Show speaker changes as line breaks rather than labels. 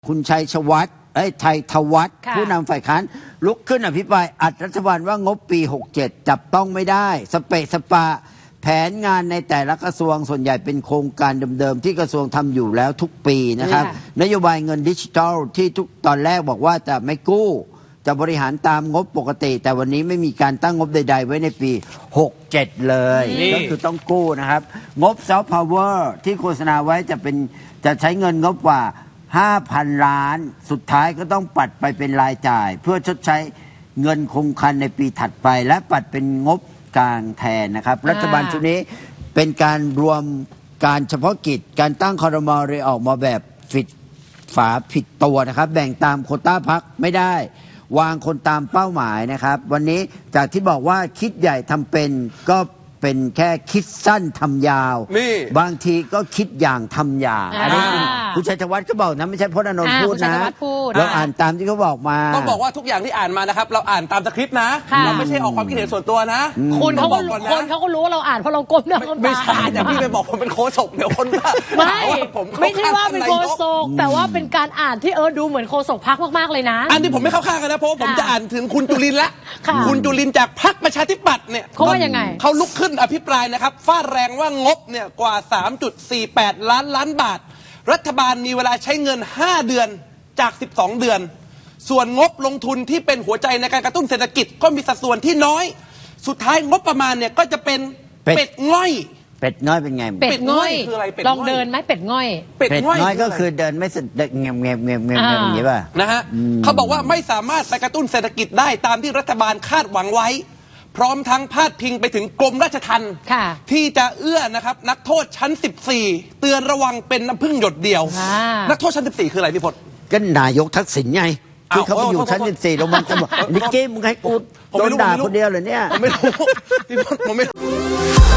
คุณชัยชวัฒน์ชัยธวัฒน์ผู้นำฝ่ายค้านลุกขึ้นอภิปรายอัดรัฐบาลว่างบปี 67 จับต้องไม่ได้สเปะสปะแผนงานในแต่ละกระทรวงส่วนใหญ่เป็นโครงการเดิมๆที่กระทรวงทำอยู่แล้วทุกปีนะครับนโยบายเงินดิจิทัลที่ตอนแรกบอกว่าจะไม่กู้จะบริหารตามงบปกติแต่วันนี้ไม่มีการตั้งงบใดๆไว้ในปี 67 เลยก็คือต้องกู้นะครับงบซอฟต์พาวเวอร์ที่โฆษณาไว้จะใช้เงินงบกว่า 5,000 ล้านสุดท้ายก็ต้องปัดไปเป็นรายจ่ายเพื่อชดใช้เงินคงคลังในปีถัดไปและปัดเป็นงบกลางแทนนะครับรัฐบาลชุดนี้เป็นการรวมการเฉพาะกิจการตั้งครม.เลยออกมาแบบผิดตัวนะครับแบ่งตามโควต้าพรรคไม่ได้วางคนตามเป้าหมายนะครับวันนี้จากที่บอกว่าคิดใหญ่ทำเป็นก็เป็นแค่คิดสั้นทำยาวบางทีก็คิดอย่างทำอย่างอันนี้คุณชัยธวัฒน์ก็บอกนะไม่ใช่พจน์อานนท์พูดนะเราอ่านตามที่เขาบอกมา
ต้องบอกว่าทุกอย่างที่อ่านมานะครับเราอ่านตามสคริปต์นะเราไม่ใช่ออกความคิดเห็นส่วนตัวนะ
คนเขาก็รู้ว่าเราอ่านเพราะเราก้มหน้าก้มตา
ไม่ใช่อย่างพี่ไปบอกผมเป็นโฆษกเดี๋ยวคน
ไม่ใช่ว่าเป็นโฆษกแต่ว่าเป็นการอ่านที่ดูเหมือนโฆษกพรรคมากๆเลยนะ
อันนี้ผมไม่เข้าข้างกันนะเพราะผมจะอ่านถึงคุณจุลินทร์ละคุณจุลินทร์จากพรรคประชาธิปัตย์เนี่ย
เขาว่ายังไง
เขาลุกขึ้นอภิปรายนะครับฟาดแรงว่างบเนี่ยกว่า 3.48 ล้านบาทรัฐบาลมีเวลาใช้เงิน5เดือนจาก12เดือนส่วนงบลงทุนที่เป็นหัวใจในการกระตุ้นเศรษฐกิจก็มีสัดส่วนที่น้อยสุดท้ายงบประมาณเนี่ยก็จะเป็นเป็ดง่อย
เป็ดง่อยเป็นไง
เป็ดง่อยคืออะไรลองเดินไหมเป็ดง่อย
เป็ดง่อยก็คือเดินไม่เงียบอย่างนี้ป่ะ
นะฮะเขาบอกว่าไม่สามารถไปกระตุ้นเศรษฐกิจได้ตามที่รัฐบาลคาดหวังไว้พร้อมทั้งพาดพิงไปถึงกรมราชทัณฑ์ที่จะเอื้อนะครับนักโทษชั้น14เตือนระวังเป็นน้ำพึ่งหยดเดียวนักโทษชั้น14คืออะไรพี่พจน์
ก็นายกทักษิณไงที่เขาไปอยู่ชั้น14ลงมาจะบอกนิกกี้มึงให้กูโดนด่าคนเดียวเลยเนี่ย
ผมไม่รู้พี่พจน์ผมไม่รู้